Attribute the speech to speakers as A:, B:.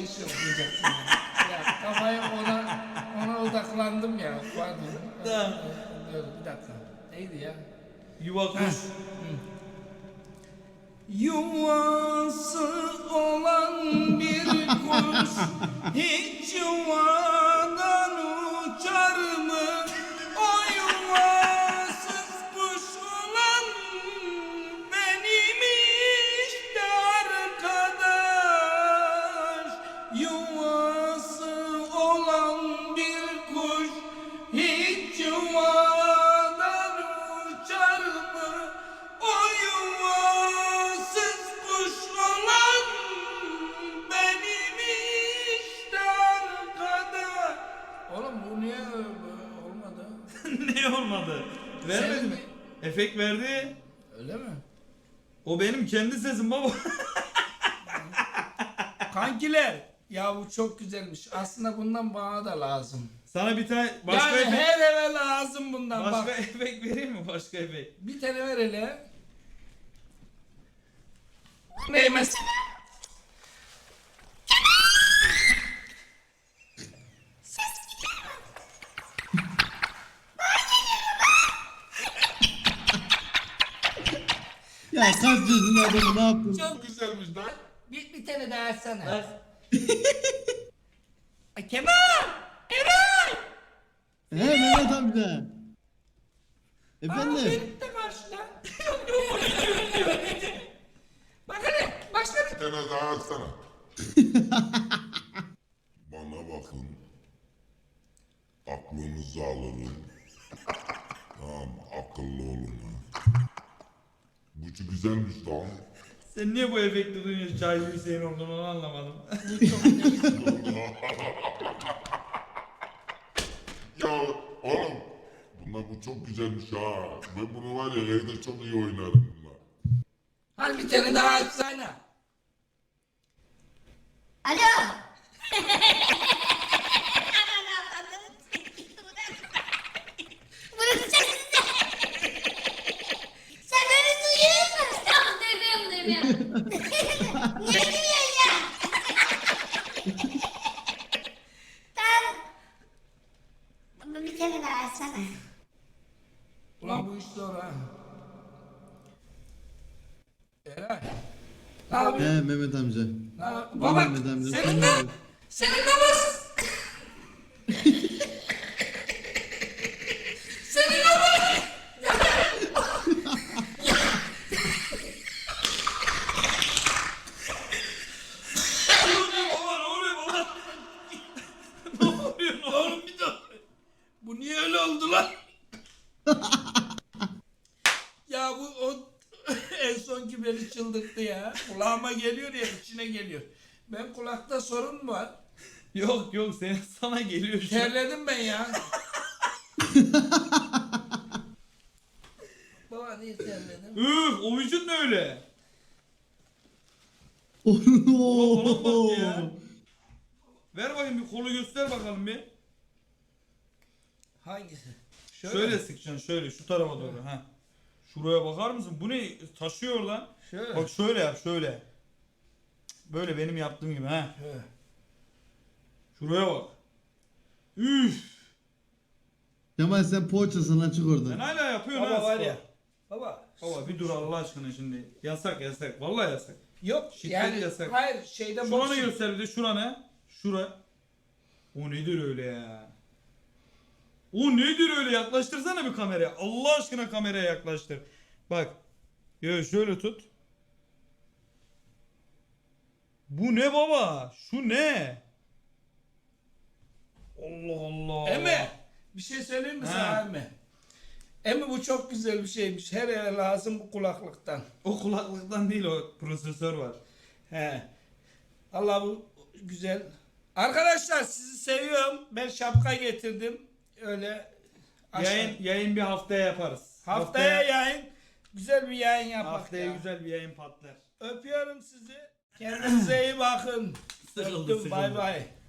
A: bir şey okuyacaksın ya. Ya kafayı ona odaklandım ya. Pardon.
B: Tamam.
A: Dur bir dakika. Neydi ya?
B: Yuva kuş.
A: Yuvası olan bir kuş hiç yuvadan uçar mı? O yuvasız kuş olan benim işte arkadaş. Yuvası olan bir kuş hiç yuvadan uçar mı? O yuvasız kuş olan benim işte arkadaş. Oğlum bu niye olmadı?
B: Ne olmadı? Vermedi
A: Sen
B: mi? Efekt verdi.
A: Öyle mi?
B: O benim kendi sesim baba.
A: Kankiler, ya bu çok güzelmiş. Aslında bundan bana da lazım.
B: Sana bir tane başka
A: Yani
B: efekt,
A: her eve lazım bundan.
B: başka
A: Bak,
B: efekt vereyim mi? Başka efekt.
A: bir tane ver hele. Ne mesela?
C: Ya kaç yaşında adamı ne yaptın?
A: Çok güzelmiş lan. Bir tane daha açsana.
B: Bak.
A: Ay, Kemal! Eray!
C: He Mehmet amca.
A: Aa,
C: Efendim?
A: benim de karşıda. Bak hele, başladı.
D: Bir tane daha atsana. Bana bakın. Aklınızı alırım. Tamam, akıllı olun ha. Bu çok güzelmiş lan.
B: Sen niye bu efekti duyuyorsun? Cahil Hüseyin olduğunu onu anlamadım.
D: Ya oğlum, bu çok güzelmiş ha. Ben bunu var ya evde çok iyi oynarım bunlar.
A: Hadi bir tane daha açsana.
E: Alo. Bırakacak sen beni duyuyor musun? Tamam duyuyorum. Niye gülüyorsun ya? Ben bir kere daha açsana.
A: Ulan bu iş zor ha. Eray. Ne yapıyorsun?
C: He Mehmet amca.
A: Baba,
C: Mehmet amca.
A: senin de, senin de var. Senin de var.
B: Baba ne oluyor baba? Ne oluyor?
A: Oğlum bir dur. Bu niye öyle oldu lan? Ya bu o en sonki beni çıldırttı ya. Kulağıma geliyor ya, içine geliyor. Ben kulakta sorun mu var?
B: Yok yok sana geliyor şu an.
A: Terledim ben ya. Baba niye terledim?
B: Üf o vücut ne öyle? Oğlum bak ya. Ver bakayım bir kolu göster bakalım bir.
A: Hangisi?
B: Şöyle sıkacaksın şöyle şu tarafa doğru. Ha. Şuraya bakar mısın? Bu ne? Taşıyor lan.
A: Şöyle.
B: Bak şöyle yap şöyle. Böyle benim yaptığım gibi ha.
A: Şöyle.
B: Şuraya bak. Üf.
C: Kemal sen poğaçasın lan çık
B: Sen
C: oradan.
B: hala yapıyorsun
A: Baba
B: ha.
A: var
B: spor.
A: ya. Baba.
B: Baba bir dur Allah aşkına şimdi. Yasak yasak. Vallahi yasak.
A: Yok
B: Şiddet
A: yani
B: yasak.
A: hayır şeyde
B: Şuranı
A: boks-
B: göster bir de şuranı. Şura. O nedir öyle ya? O nedir öyle? Yaklaştırsana bir kameraya. Allah aşkına kameraya yaklaştır. Bak. Yo, şöyle tut. Bu ne baba? Şu ne? Allah Allah.
A: Emi bir şey söyleyeyim mi sana Emi? Emi bu çok güzel bir şeymiş. Her eve lazım bu kulaklıktan.
B: O kulaklıktan değil o prosesör var.
A: He. Allah bu güzel. Arkadaşlar sizi seviyorum. Ben şapka getirdim. Öyle aşağı-
B: Yayın bir haftaya yaparız.
A: Haftaya yayın. Güzel bir yayın yapak
B: haftaya
A: ya.
B: güzel bir yayın patlar.
A: Öpüyorum sizi. Kendinize iyi bakın.
B: Sıkıldı,
A: Öptüm.
B: sıkıldı.
A: Bay bay.